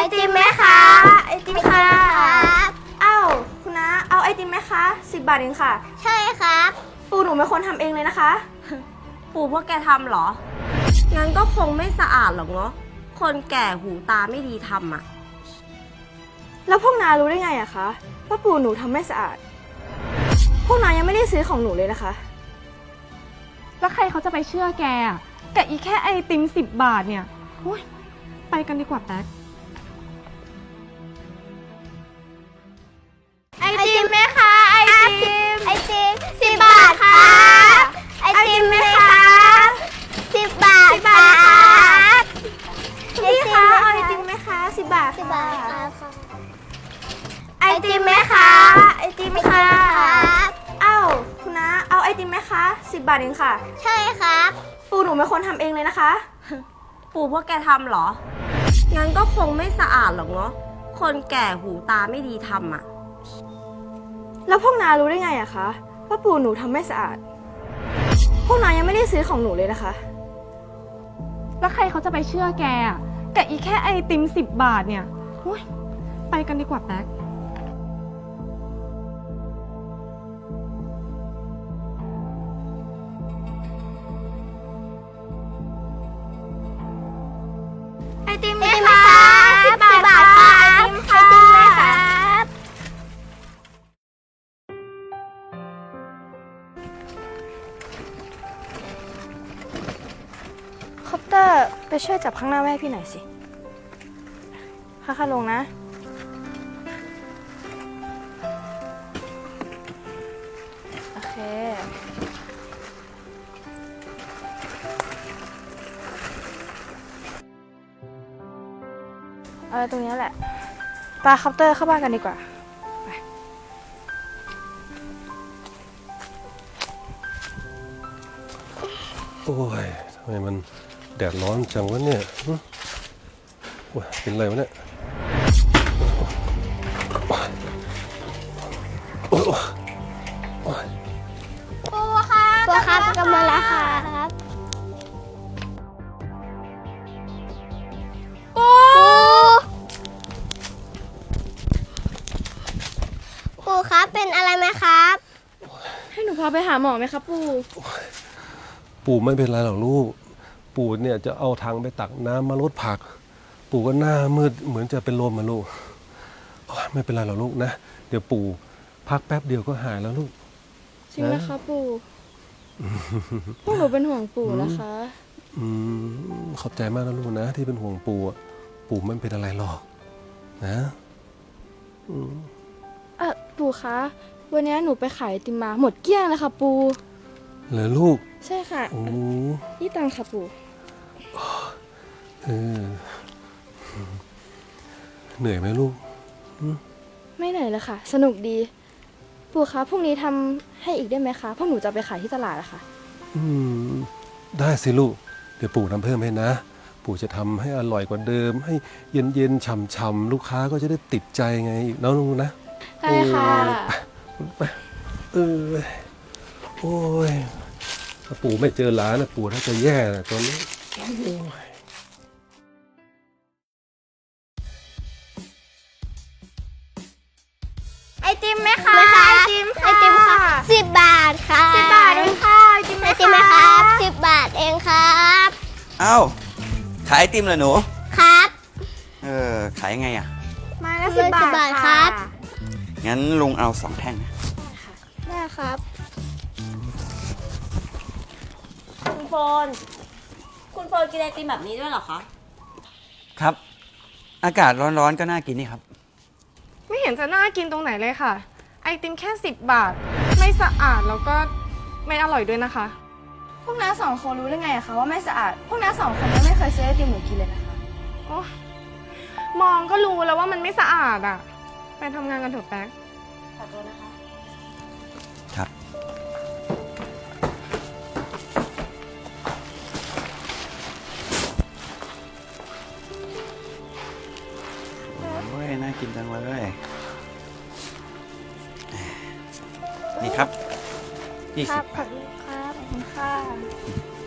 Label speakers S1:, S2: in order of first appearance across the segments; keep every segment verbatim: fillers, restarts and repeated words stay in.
S1: ติมไหมคะไอติมค่ะอ้าวคุณน้าเอาไอติมไหมคะสิบบาทเองค่ะใช่ครับปู่หนูเป็นคนทำเองเลยนะคะ
S2: ปู่พวกแกทำเหรองั้นก็คงไม่สะอาดหรอกเนาะคนแก่หูตาไม่ดีทำอ่ะ
S1: แล้วพวกน้ารู้ได้ไงอะคะว่าปู่หนูทำไม่สะอาดพวกน้ายังไม่ได้ซื้อของหนูเลยนะคะ
S3: แล้วใครเขาจะไปเชื่อแกอะแต่อีแค่ไอติมสิบบาทเนี่ยโอ้ยไปกันดีกว่าแป๊ก
S1: ไอติมไหมคะไอติมไอติมสิบบาทค่ะไอติมไหมคะสิบบาทค่ะพี่คะเอาไอติมไหมคะสิบบาทสิบบาทค่ะไอติมไหมคะไอติมค่ะอ้าวคุณน้าเอาไอติมไหมคะสิบบาทเองค่ะใช่ครับปู่หนูเป็นคนทำเองเลยนะคะ
S2: ปู่พวกแกทำเหรองั้นก็คงไม่สะอาดหรอกเนาะคนแก่หูตาไม่ดีทำอ่ะ
S1: แล้วพวกน้ารู้ได้ไงอะคะว่าปู่หนูทำไม่สะอาดพวกน้ายังไม่ได้ซื้อของหนูเลยนะคะ
S3: แล้วใครเขาจะไปเชื่อแกอะแต่อีแค่ไอติมสิบบาทเนี่ยโอ้ยไปกันดีกว่าแป๊ก
S1: ไอติมไหมคะสิบบาทค่ะไอติมค่ะไอติมไหมคะคอปเตอร์ไปช่วยจับข้างหน้าแม่พี่หน่อยสิค่าๆลงนะโอเคเอาตรงนี้แหละปาคอปเตอร์เข้าบ้านกันดีกว่าไป
S4: โอ้ยทำไมมันแดดร้อนจังวะเนี่ยโอ้ยเป็นไรวะเนี่ยโอ้ยโอ้ย
S1: ปูค่ะปูครับกำลังแล้วครับปูปูครับเป็นอะไรไหมครับให้หนูพาไปหาหมอไหมครับปู
S4: ปู่ไม่เป็นไรหรอกลูกปู่เนี่ยจะเอาถังไปตักน้ำมาลดผักปู่ก็หน้ามืดเหมือนจะเป็นลมมาลูกไม่เป็นไรหรอกลูกนะเดี๋ยวปู่พักแป๊บเดียวก็หายแล้วลูก
S1: จริงนะคะปู่พวกหนูเป็นห่วงปู่นะคะ
S4: อืมขอบใจมากนะลูกนะที่เป็นห่วงปู่ปู่ไม่เป็นอะไรหรอกนะ
S1: เออปู่คะวันนี้หนูไปขายไอติมมาหมดเกลี้ยงเลยค่ะปู่
S4: เหรอลูก
S1: ใช่ค่ะ
S4: โอ้
S1: นี่ตังค่ะปู่
S4: เออเหนื่อยไหมลูก
S1: ไม่เหนื่อยเลยค่ะสนุกดีปู่คะพรุ่งนี้ทำให้อีกได้ไหมคะพวกหนูจะไปขายที่ตลาดอะค่ะ
S4: อืมได้สิลูกเดี๋ยวปู่ทำเพิ่มให้นะปู่จะทำให้อร่อยกว่าเดิมให้เย็นๆฉ่ำๆลูกค้าก็จะได้ติดใจไงน้องๆนะ
S1: ใช่ค่ะ
S4: ไปเออโอ้ยถ้าปู่ไม่เจอหลานนะปู่ถ้าจะแย่นะตอนนี้
S1: ไอติมไหมคะไอติมไอติมค่ะสิบบาทค่ะสิบบาทเองค่ะไอติมไหมครับสิบบาทเองครับ
S5: อ้าวขายไอติมเหรอหนู
S1: ครับ
S5: เออขายยังไงอ่ะ
S1: ไม้ละสิบบาทครับ
S5: งั้นลุงเอาสองแท่งนะ
S1: ได้ครับ
S2: คุณโฟนคุณโฟนกินไอติมแบบนี้ด้วยเหรอคะ
S5: ครับอากาศร้อนๆก็น่ากินนี่ครับ
S3: ไม่เห็นจะน่ากินตรงไหนเลยค่ะไอติมแค่สิบบาทไม่สะอาดแล้วก็ไม่อร่อยด้วยนะคะ
S1: พวกน้าสองคนรู้ได้ไงอะคะว่าไม่สะอาดพวกน้าสองคนยังไม่เคยซื้อไอติมหนูกินเลยนะคะ
S3: โอ้มองก็รู้แล้วว่ามันไม่สะอาดอ่ะไปทำงานกันเถอะแป๊ก
S2: ขอโทษนะคะ
S5: ครับโอ้ยน่ากินจังเลยนี่ครับยี่สิบ
S1: ขอบคุณครับขอบคุณค่ะ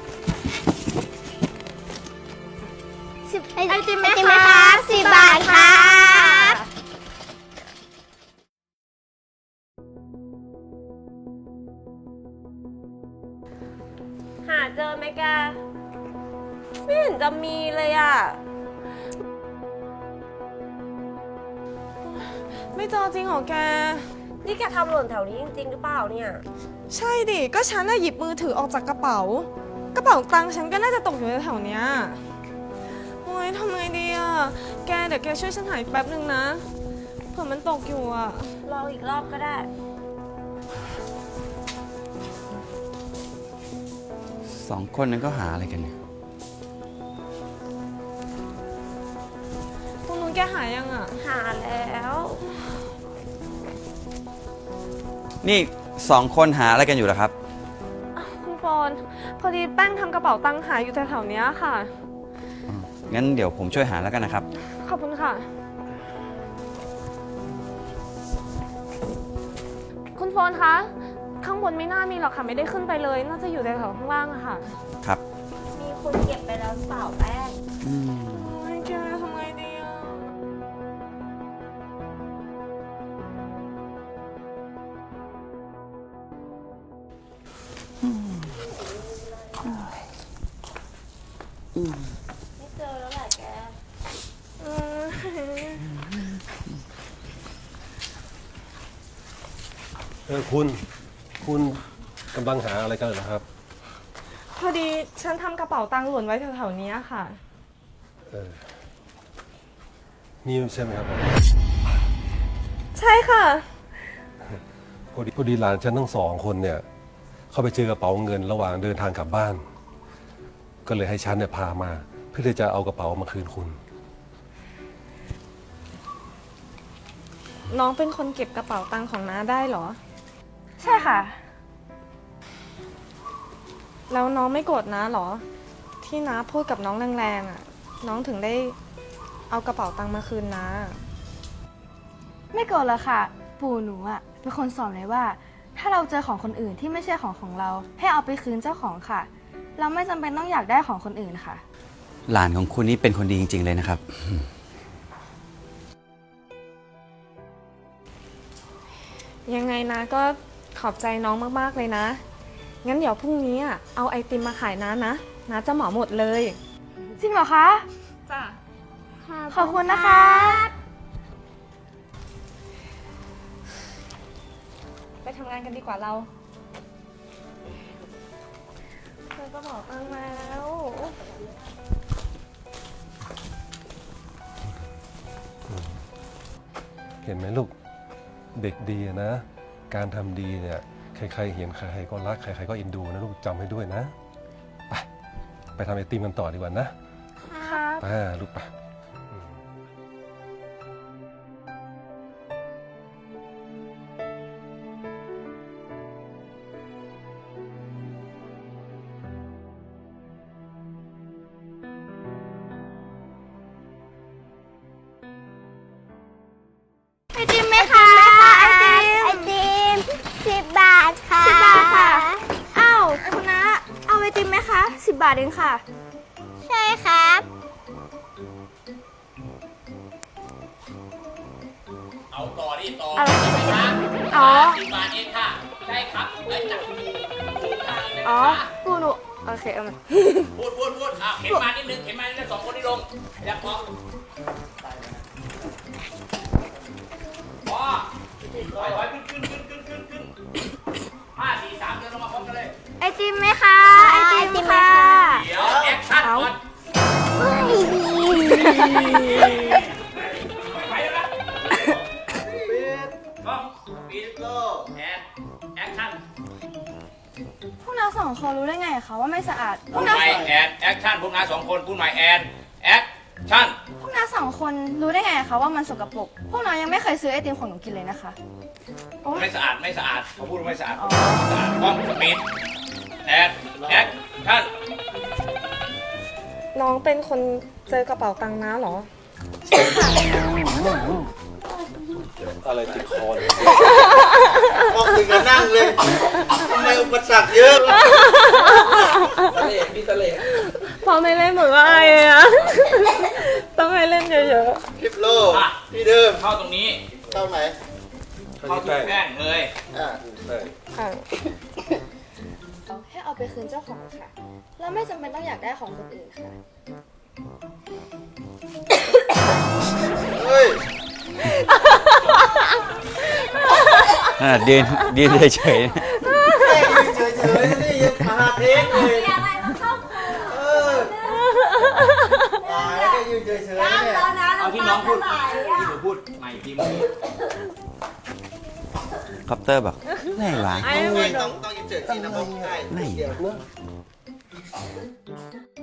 S1: สิบไอติมไหมคะสิบบาทค่ะ
S3: เจอจริงเหรอแก
S2: นี่แกทำหล่นแถวนี้จริงๆหรือเปล่าเนี่ย
S3: ใช่ดิ ก็ฉันน่ะหยิบมือถือออกจากกระเป๋า กระเป๋าตังค์ฉันก็น่าจะตกอยู่แถวๆเนี้ยโอ๊ยทำไงดีอ่ะ แกเดี๋ยวแกช่วยฉันหาอีกแป๊บนึงนะ เผื่อมันตกอยู่อ่ะ
S2: รออีกรอบก็ได้
S5: สองคนนั้นก็หาอะไรกันเนี่ย
S3: ตรงนู้นแกหายังอ่ะ
S2: หาแล้ว
S5: นี่สองคนหาอะไรกันอยู่เหรอครับ
S3: คุณฟอนพอดีแป้งทำกระเป๋าตังค์หายอยู่แถวๆเนี้ยค่ะ
S5: งั้นเดี๋ยวผมช่วยหาแล้วกันนะครับ
S3: ขอบคุณค่ะ คุณฟอนคะ ข้างบนไม่น่ามีหรอกค่ะ ไม่ได้ขึ้นไปเลย น่าจะอยู่แถวๆข้างล่างอะค่ะ
S5: ครับ
S2: มีคนเก็บไปแล้วหรือเปล่าแป้ง
S5: อืม
S3: โอ้ยแกทำไงดีอะ
S2: ไม่เจอแล้วแหละแก
S3: เออ
S4: เออคุณ คุณกำลังหาอะไรกันเหรอครับ
S3: พอดีฉันทำกระเป๋าตังค์หล่นไว้แถวๆนี้ค่ะ
S4: เออ นี่ใช่ไหมครับ
S3: ใช่ค่ะ
S4: พอดีพอดีหลานฉันทั้งสองคนเนี่ย เข้าไปเจอกระเป๋าเงินระหว่างเดินทางกลับบ้าน ก็เลยให้ฉันเนี่ยพามา เพื่อที่จะเอากระเป๋ามาคืนคุณ
S3: น้องเป็นคนเก็บกระเป๋าตังค์ของน้าได้เหรอ
S1: ใช่ค่ะ
S3: แล้วน้องไม่โกรธน้าเหรอ ที่น้าพูดกับน้องแรงๆอ่ะ น้องถึงได้เอากระเป๋าตังค์มาคืนน้า
S1: ไม่โกรธหรอกค่ะ ปู่หนูอ่ะเป็นคนสอนเลยว่า ถ้าเราเจอของคนอื่นที่ไม่ใช่ของของเรา ให้เอาไปคืนเจ้าของค่ะ เราไม่จำเป็นต้องอยากได้ของคนอื่นค่ะ
S5: หลานของคุณนี่เป็นคนดีจริง ๆ เลยนะครับ
S3: ยังไงนะก็ขอบใจน้องมากๆเลยนะ งั้นเดี๋ยวพรุ่งนี้อ่ะเอาไอติมมาขายน้านะน้าจะเหมาหมดเลย
S1: จริงเหรอคะ
S3: จ้ะ
S1: ขอบคุณนะคะ
S3: ไปทำงานกันดีกว่าเราเธอก็บอกตังค์มาแล้ว
S4: เห็นไหมลูก เด็กดีอะนะ การทำดีเนี่ย ใครๆเห็นใครๆก็รัก ใครๆก็เอ็นดูนะลูกจำให้ด้วยนะ ไป ไปทำไอติมกันต่อดีกว่านะ
S1: ครับ
S4: ไปลูกไป
S1: ไอติมไหมคะ ไอติม
S6: ไอติมสิบบาทค่ะ
S1: สิบบาทค่ะอ้าวคุณน้าเอาไอติมไหมคะสิบบาทเองค่ะ
S6: ใช่ครับ
S7: เอาต่อดิต่อ
S1: อะไร
S7: สิบาท
S1: อ๋อ
S7: สิบบาทเองค่ะใช่ครับเอ้ยจับถูกทางเลย
S1: อ๋อ
S7: นะคะ
S1: ปู่หนูโอเคเอามา
S7: พูดพูดพูดอ่ะเข็นมานิดนึงเข็นมานิดนึงสองคนที่ลงอยากพอพอถอยถอยขึ้นขึ้นขึ้นขึ้นขึ้นขึ้นห้าสี่สามเดินลงมาพร้อมกันเลย
S1: ไอติมไหมคะ ไอติมค่ะ
S7: เดี๋ยวแอคชั่นก่อนไปแล้วนะกล้องปีโก้แอนแอคชั่น
S1: พวกเราสองคนรู้ได้ไงคะว่าไม่สะอาด พ
S7: พู
S1: ว
S7: ด
S1: ก
S7: ให
S1: เรา
S7: ม่แอนแอคชั่นพวกนายสองคนพูดใหม่แอนแอคชั่น
S1: พวกเราสองคนรู้ได้ไงคะว่ามันสกปรก พวกเรายังไม่เคยซื้อไอติมของหนูกินเลยนะคะ
S7: ไม่สะอาดไม่สะอาดเขาพูดว่าไม่สะอาด
S1: อ๋อ
S7: สะอาดกล้องปิดแอนแอคชั่น
S3: น้องเป็นคนเจอกระเป๋าตังค์น้าเหรอ
S4: อะไรติดคอเนี่ย
S8: มองถึงกับนั่งเลยทำไมอุปสรรคเยอะ
S7: ทะเลมีทะเล
S3: พอไม่เล่นเหมือนว่าไอ้อะต้องให้เล่นเยอะ
S8: คลิปโลที่เดิม
S7: เข้าตรงนี้
S8: เข้าไหน
S7: เข้าที่แป้งเลย
S8: อ่า
S3: ๆค่ะ
S1: ให้เอาไปคืนเจ้าของค่ะ เราไม่จำเป็นต้องอยากได้ของคนอื่นค่ะ
S8: เฮ้ย
S5: ขนาดยืนยืนเฉยๆ
S8: แค่ยืนเฉยๆนี่ยังมาเทคเลยเออตายแล้วแค่ยืนเฉยๆเนี่ย
S7: เอาที่น้องพูดที่หนูพูดใหม่ทีเมื่อกี้
S5: คอปเตอร์บอกไหนวะ
S8: ต้องต้องต้องยืนเฉยๆที่นะบอกได้
S5: ไหน
S8: เดี๋ยว
S5: วะ